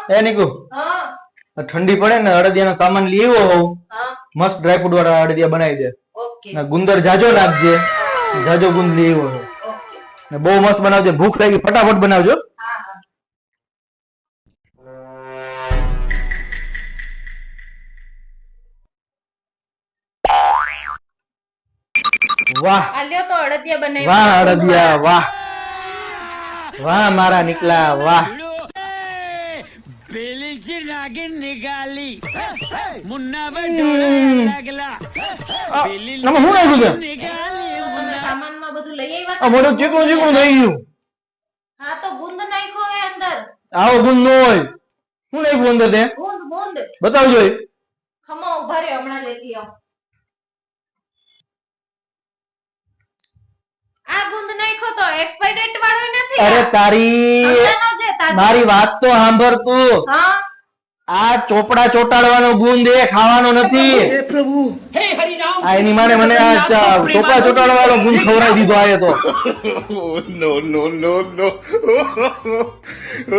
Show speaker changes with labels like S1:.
S1: એ નીકુ
S2: હા
S1: ઠંડી પડે ને અડદિયાનો સામાન લઈ આવ્યો હોઉં
S2: હા
S1: મસ્ત ડ્રાયફ્રૂટ વાળા અડદિયા બનાવી દે
S2: ઓકે
S1: ને ગુંદર જાજો નાખજે જાજો ગુંદ લઈ આવ્યો
S2: ઓકે
S1: ને બહુ મસ્ત બનાવજે ભૂખ લાગી ફટાફટ બનાવજો
S2: હા હા
S1: વાહ
S2: આ લ્યો તો અડદિયા બનાવી
S1: વાહ અડદિયા વાહ વાહ મારા નીકળા વાહ
S3: પેલી થી નાગી નિકાલી મુન્ના બટોળા લાગલા પેલી
S1: આમાં શું નાખ્યું છે
S3: નિકાલી મુન્ના
S2: સામાનમાં બધું લઈ આવ્યા
S1: આ મોઢું ચીકણું ચીકણું થઈ ગયું
S2: હા તો ગુંદ નાખ્યો હે અંદર
S1: આવો ગુંદ ન હોય શું નાખ્યું અંદર તે
S2: ગુંદ ગુંદ
S1: બતાવજો એ.
S2: ખમો ઉભા રહ્યો હમણાં લેતી આવ આ ગુંદ નાખ્યો તો એક્સપાયર ડેટ વાળો નથી
S1: અરે તારી
S2: સમજાનો છે તાજો.
S1: મારી વાત તો સાંભળ તું
S2: હા
S1: આ ચોપડા ચોટાડવાનો ગુંદ એ ખાવાનો નથી આ એની માને મને આ ચોપડા ચોટાડવાનો ગુંદ ખવડાવી દીધો આ એ તો
S4: no, no, no, no.